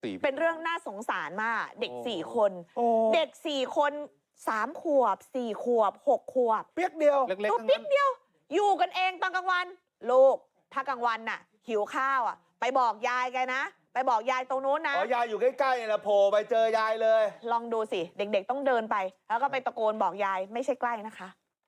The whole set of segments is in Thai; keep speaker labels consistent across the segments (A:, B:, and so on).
A: เป็นเรื่องน่าสงสารมากเด็ก4 คนเด็ก4 คน3 ขวบ4 ขวบ6 ขวบ
B: เปียกเดียว
A: ตัวเปียกเดียวอยู่กันเองตอนกลางวันลูกถ้ากลางวันน่ะหิวข้าวอ่ะไปบอกยายแกนะไปบอกยายตรงนู้นนะ
B: ยายอยู่ใกล้ๆนะโผล่ไปเจอยายเลย
A: ลองดูสิเด็กๆต้องเดินไปแล้วก็ไปตะโกนบอกยายไม่ใช่ใกล้นะคะ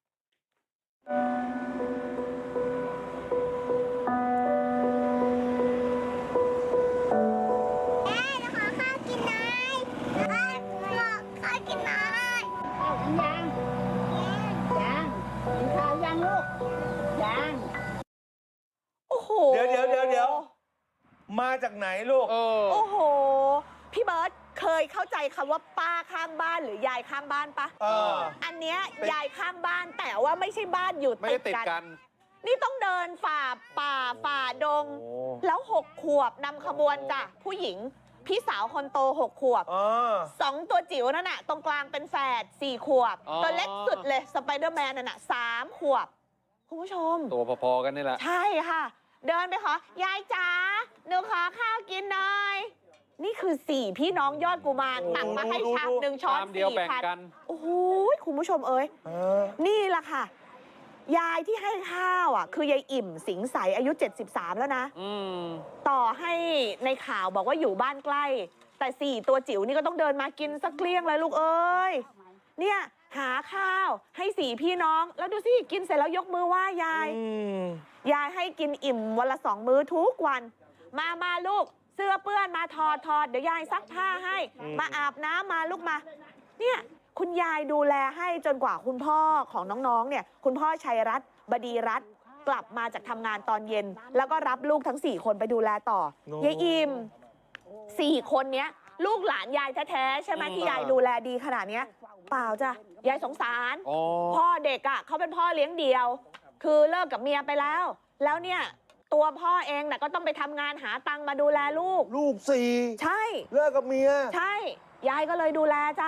B: เดี๋ยวมาจากไหนลูก
A: โอ้โหพี่เบิร์ตเคยเข้าใจคำว่าป้าข้างบ้านหรือยายข้างบ้านปะอันเนี้ยยายข้างบ้านแต่ว่าไม่ใช่บ้านอยู่ติดกันนี่ต้องเดินฝ่าป่าฝ่าดงแล้ว6 ขวบนำขบวนจ้ะผู้หญิงพี่สาวคนโต6 ขวบ2 ตัวจิ๋วนั่นน่ะตรงกลางเป็นแฝด4 ขวบตัวเล็กสุดเลยสไปเดอร์แมนนั่นน่ะ3 ขวบคุณผู้ชม
C: ตัวพอๆกันนี่แหละ
A: ใช่ค่ะเดินไปขอยายจ๋าหนูขอข้าวกินหน่อยนี่คือ4 พี่น้องยอดกุมารตักมาให้ชาม1 ช้อน4 พันโอ้โหคุณผู้ชมเอ้ยนี่แหละค่ะยายที่ให้ข้าวอ่ะคือยายอิ่มสิงใสอายุ73แล้วนะต่อให้ในข่าวบอกว่าอยู่บ้านใกล้แต่4 ตัวจิ๋วนี่ก็ต้องเดินมากินสักเกลี้ยงเลยลูกเอ้ยเนี่ยหาข้าวให้4 พี่น้องแล้วดูสิกินเสร็จแล้วยกมือไหว้ยายให้กินอิ่มวันละ2 มื้อทุกวันมาลูกเสื้อเปื้อนมาถอดเดี๋ยวยายซักผ้าให้มาอาบน้ำมาลูกมาเนี่ยคุณยายดูแลให้จนกว่าคุณพ่อของน้องๆเนี่ยคุณพ่อชัยรัตน์บดีรัตน์กลับมาจากทำงานตอนเย็นแล้วก็รับลูกทั้ง4 คนไปดูแลต่อยายอิ่ม4 คนเนี้ยลูกหลานยายแท้ๆใช่ไหมที่ยายดูแลดีขนาดนี้เปล่าจ้ะยายสงสารพ่อเด็กอ่ะเขาเป็นพ่อเลี้ยงเดี่ยวคือเลิกกับเมียไปแล้วเนี่ยตัวพ่อเองน่ะก็ต้องไปทำงานหาตังค์มาดูแลลูก
B: 4
A: ใช่
B: เลิกกับเมีย
A: ใช่ยายก็เลยดูแลจ้ะ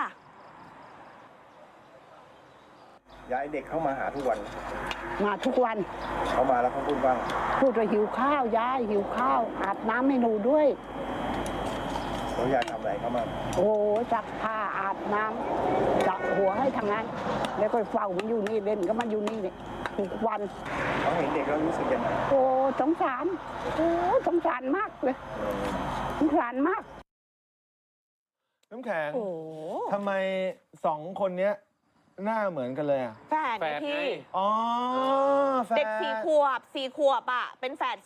B: ยายเด็กเข้ามาหาทุกวัน
D: มาทุกวัน
B: เขามาแล้วเขาพูดว่า
D: หิวข้าวยายหิวข้าวอาบน้ำให้หนูด้วย
B: แล้วยายทำอะไรเขามา
D: โอ้ซักผ้าอาบน้ำจับหัวให้ทางนั้นแล้วก็เฝ้ามันอยู่นี่เล่นก็มันอยู่นี่ทุกวัน
B: เขาเห็นเด็กแล้วรู้สึกยังไง
D: โอ้สงสารสงสารมากเลยสงสารมาก
B: น้ำแข็งทำไม2 คนนี้หน้าเหมือนกันเลยอ่ะ
A: แฝดพี่เด็ก4 ขวบอ่ะเป็นแฝด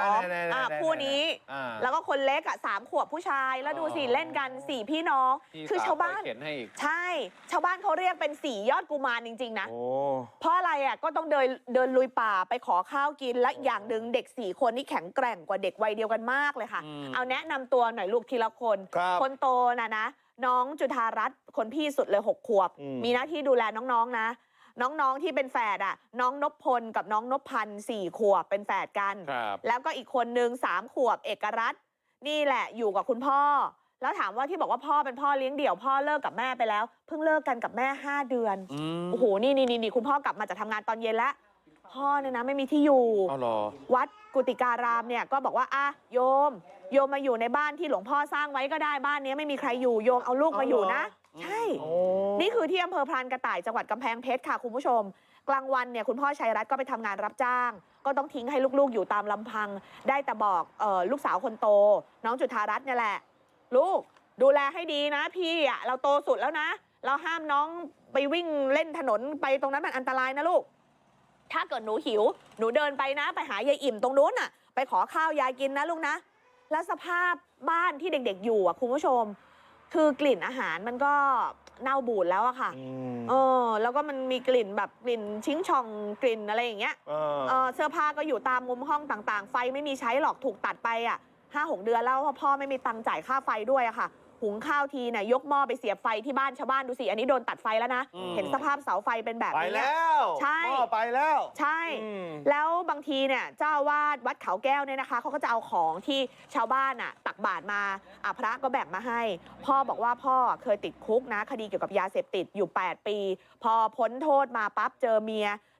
A: 2คู่นี้แล้วก็คนเล็กอ่ะ3 ขวบผู้ชายแล้วดูสิเล่นกัน4 พี่น้องคือชาวบ้านใช่ชาวบ้านเขาเรียกเป็น4 ยอดกุมารจริงๆนะเพราะอะไรอ่ะก็ต้องเดินลุยป่าไปขอข้าวกินและอย่างหนึ่งเด็ก4 คนนี่แข็งแกร่งกว่าเด็กวัยเดียวกันมากเลยค่ะเอาแนะนำตัวหน่อยลูกทีละคนโตนะน้องจุฑารัตน์คนพี่สุดเลย6 ขวบมีหน้าที่ดูแลน้องๆนะน้องๆที่เป็นแฝดอ่ะน้องนพพลกับน้องนพพันธ์4 ขวบเป็นแฝดกันแล้วก็อีกคนนึง3 ขวบเอกรัตน์นี่แหละอยู่กับคุณพ่อแล้วถามว่าที่บอกว่าพ่อเป็นพ่อเลี้ยงเดี่ยวพ่อเลิกกับแม่ไปแล้วเพิ่งเลิกกันกับแม่5 เดือนโอ้โหนี่คุณพ่อกลับมาจากทำงานตอนเย็นแล้วพ่อเนี่ยนะไม่มีที่อยู่วัดกุติการามเนี่ยก็บอกว่าโยมมาอยู่ในบ้านที่หลวงพ่อสร้างไว้ก็ได้บ้านนี้ไม่มีใครอยู่โยมเอาลูกมาอยู่นะใช่นี่คือที่อำเภอพรานกระต่ายจังหวัดกำแพงเพชรค่ะคุณผู้ชมกลางวันเนี่ยคุณพ่อชัยรัตน์ก็ไปทำงานรับจ้างก็ต้องทิ้งให้ลูกๆอยู่ตามลำพังได้แต่บอกลูกสาวคนโตน้องจุฑารัตน์เนี่ยแหละลูกดูแลให้ดีนะพี่อ่ะเราโตสุดแล้วนะเราห้ามน้องไปวิ่งเล่นถนนไปตรงนั้นมันอันตรายนะลูกถ้าเกิดหนูหิวหนูเดินไปนะไปหายายอิ่มตรงนู้นน่ะไปขอข้าวยายกินนะลูกนะแล้วสภาพบ้านที่เด็กๆอยู่อ่ะคุณผู้ชมคือกลิ่นอาหารมันก็เน่าบูดแล้วอะค่ะแล้วก็มันมีกลิ่นแบบกลิ่นชิงช่องกลิ่นอะไรอย่างเงี้ยเสื้อผ้าก็อยู่ตามมุมห้องต่างๆไฟไม่มีใช้หรอกถูกตัดไปอ่ะ5-6 เดือนแล้วเพราะพ่อไม่มีตังค์จ่ายค่าไฟด้วยอะค่ะหุงข้าวทีเนี่ยยกหม้อไปเสียบไฟที่บ้านชาวบ้านดูสิอันนี้โดนตัดไฟแล้วนะเห็นสภาพเสาไฟเป็นแบบนี้
B: ไปแล้ว
A: ใช่
B: หม้อไปแล้ว
A: ใช่แล้วบางทีเนี่ยเจ้าวาดวัดเขาแก้วเนี่ยนะคะเขาก็จะเอาของที่ชาวบ้านตักบาตรมาพระก็แบ่งมาให้พ่อบอกว่าพ่อเคยติดคุกนะคดีเกี่ยวกับยาเสพติดอยู่8 ปีพอพ้นโทษมาปั๊บเจอเมีย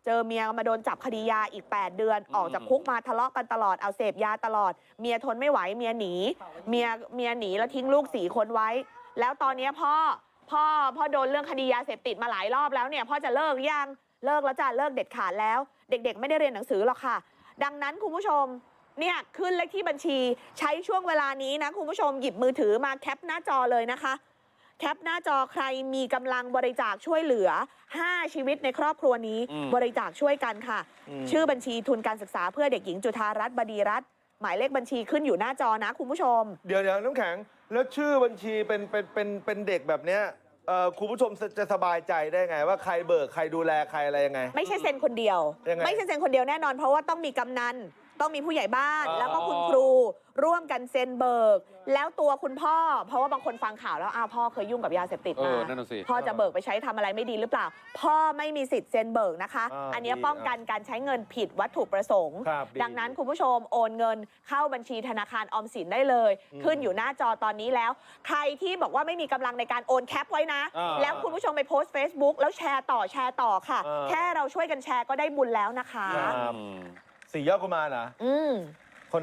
A: เจอเมียมาโดนจับคดียาอีก8 เดือนออกจากคุกมาทะเลาะกันตลอดเอาเสพยาตลอดเมียทนไม่ไหวเมียหนีเมียหนีแล้วทิ้งลูก4 คนไว้แล้วตอนนี้พ่อโดนเรื่องคดียาเสพติดมาหลายรอบแล้วเนี่ยพ่อจะเลิกยังเลิกแล้วจ้ะเลิกเด็ดขาดแล้วเด็กๆไม่ได้เรียนหนังสือหรอกค่ะดังนั้นคุณผู้ชมเนี่ยขึ้นเลขที่บัญชีใช้ช่วงเวลานี้นะคุณผู้ชมหยิบมือถือมาแคปหน้าจอเลยนะคะแคปหน้าจอใครมีกำลังบริจาคช่วยเหลือ5 ชีวิตในครอบครัวนี้บริจาคช่วยกันค่ะชื่อบัญชีทุนการศึกษาเพื่อเด็กหญิงจุฑารัตน์บดีรัตน์หมายเลขบัญชีขึ้นอยู่หน้าจอนะคุณผู้ชม
B: เดี๋ยวน้ำแข็งแล้วชื่อบัญชีเป็นเด็กแบบเนี้ยคุณผู้ชมจะสบายใจได้ไงว่าใครเบิกใครดูแลใครอะไรยังไง
A: ไม่ใช่เซ็นคนเดียวไม่ใช่เซ็นคนเดียวแน่นอนเพราะว่าต้องมีกำนันต้องมีผู้ใหญ่บ้านแล้วก็คุณครูร่วมกันเซ็นเบิกแล้วตัวคุณพ่อเพราะว่าบางคนฟังข่าวแล้วพ่อเคยยุ่งกับยาเสพติดมาพ่อจะเบิกไปใช้ทำอะไรไม่ดีหรือเปล่าพ่อไม่มีสิทธิ์เซ็นเบิกนะคะอันนี้ป้องกันการใช้เงินผิดวัตถุประสงค์ดังนั้นคุณผู้ชมโอนเงินเข้าบัญชีธนาคารออมสินได้เลยขึ้นอยู่หน้าจอตอนนี้แล้วใครที่บอกว่าไม่มีกำลังในการโอนแคปไว้นะแล้วคุณผู้ชมไปโพสต์ Facebook แล้วแชร์ต่อค่ะแค่เราช่วยกันแชร์ก็ได้บุญแล้วนะคะ
B: 4 ยอดกุมารนะ